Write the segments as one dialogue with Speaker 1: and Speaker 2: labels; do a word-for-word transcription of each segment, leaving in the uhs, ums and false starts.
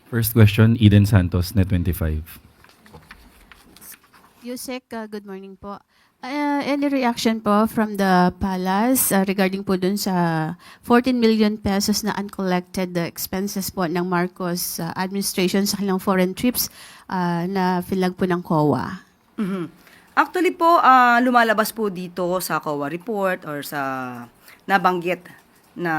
Speaker 1: First question, Eden Santos, Net twenty-five.
Speaker 2: Yusek, uh, good morning po. Uh, any reaction po from the palace uh, regarding po dun sa fourteen million pesos na uncollected uh, expenses po ng Marcos uh, administration sa kanilang foreign trips uh, na filag po ng C O A?
Speaker 3: Mhm. Actually po, ah, lumalabas po dito sa C O A report or sa nabanggit na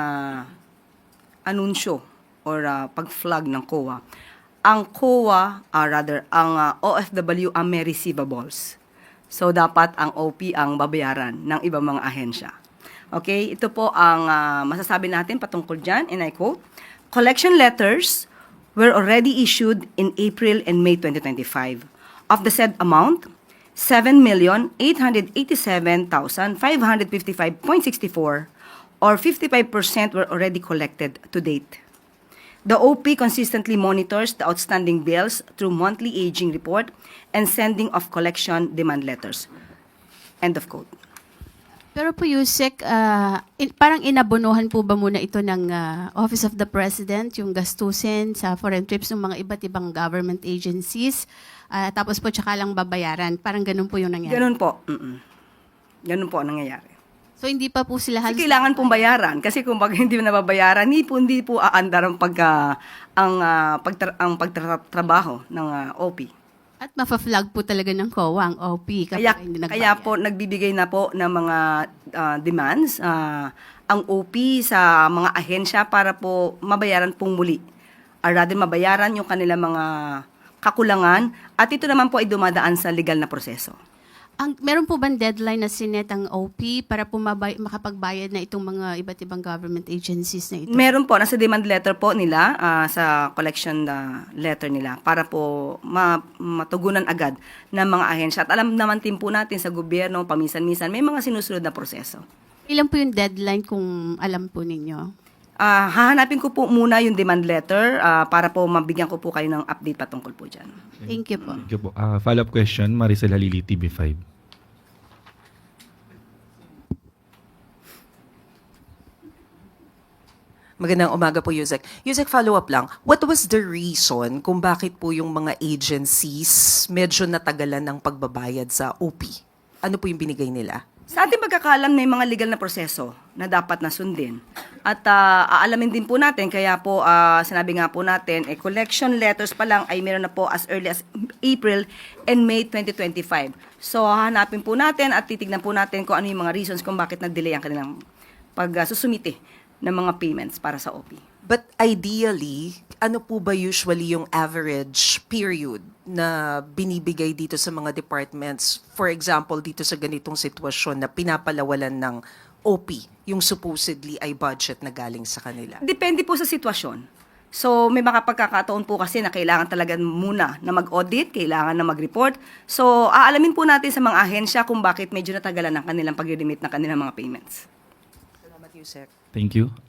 Speaker 3: anunsyo or ah, pag-flag ng C O A. Ang C O A, ah, rather, ang ah, O F W ang may receivables. So, dapat ang O P ang babayaran ng ibang mga ahensya. Okay, ito po ang ah, masasabi natin patungkol dyan, and I quote, "Collection letters were already issued in April and May twenty twenty-five. Of the said amount, seven million eight hundred eighty-seven thousand five hundred fifty-five point six four or fifty-five percent were already collected to date. The O P consistently monitors the outstanding bills through monthly aging report and sending of collection demand letters." End of quote.
Speaker 2: Pero po Yusek, uh, in- parang inabonohan po ba muna ito ng uh, Office of the President, yung gastusin sa foreign trips ng mga iba't ibang government agencies, uh, tapos po tsaka lang babayaran. Parang ganun po yung nangyari.
Speaker 3: Ganun po. Mm-mm. Ganun po ang nangyayari.
Speaker 2: So hindi pa po sila
Speaker 3: Kasi
Speaker 2: halos...
Speaker 3: kailangan pong bayaran. Kasi kung pag hindi mo nababayaran, hindi po, hindi po aandar ang, pagka, ang, ah, pagtra- ang pagtatrabaho ng ah, O P.
Speaker 2: At mafa-flag po talaga ng C O A ang O P kapag
Speaker 3: Kaya,
Speaker 2: hindi nagbayad.
Speaker 3: kaya po nagbibigay na po ng mga ah, demands ah, ang O P sa mga ahensya para po mabayaran pong muli. Or rather, mabayaran yung kanilang mga kakulangan at ito naman po ay dumadaan sa legal na proseso.
Speaker 2: Ang, meron po bang deadline na sinet ang O P para po mabay, makapagbayad na itong mga iba't ibang government agencies na ito?
Speaker 3: Meron po, nasa demand letter po nila, ah, sa collection na letter nila para po ma- matugunan agad ng mga ahensya. At alam naman din po natin sa gobyerno, paminsan-minsan, may mga sinusunod na proseso.
Speaker 2: Ilan po yung deadline kung alam po ninyo?
Speaker 3: Ah, hahanapin ko po muna yung demand letter ah, para po mabigyan ko po kayo ng update patungkol po dyan.
Speaker 2: Thank you po.
Speaker 1: Thank you po. Ah, follow-up question, Maricel Halili, T V five.
Speaker 4: Magandang umaga po, Yusek. Yusek, follow-up lang. What was the reason kung bakit po yung mga agencies medyo natagalan ng pagbabayad sa O P? Ano po yung binigay nila?
Speaker 3: Sa ating pagkakaalam, may mga legal na proseso na dapat na sundin. At ah, aalamin din po natin, kaya po ah, sinabi nga po natin, eh, collection letters pa lang ay meron na po as early as April and May twenty twenty-five. So, hahanapin po natin at titignan po natin kung ano yung mga reasons kung bakit nag-delay ang kanilang pag-susumite ng mga payments para sa O P.
Speaker 4: But ideally, ano po ba usually yung average period na binibigay dito sa mga departments? For example, dito sa ganitong sitwasyon na pinapalawalan ng O P, yung supposedly ay budget na galing sa kanila.
Speaker 3: Depende po sa sitwasyon. So, may mga pagkakataon po kasi na kailangan talaga muna na mag-audit, kailangan na mag-report. So, aalamin po natin sa mga ahensya kung bakit medyo natagalan ang kanilang pag-remit ng kanilang mga payments.
Speaker 4: Salamat, Yusek.
Speaker 1: Thank you.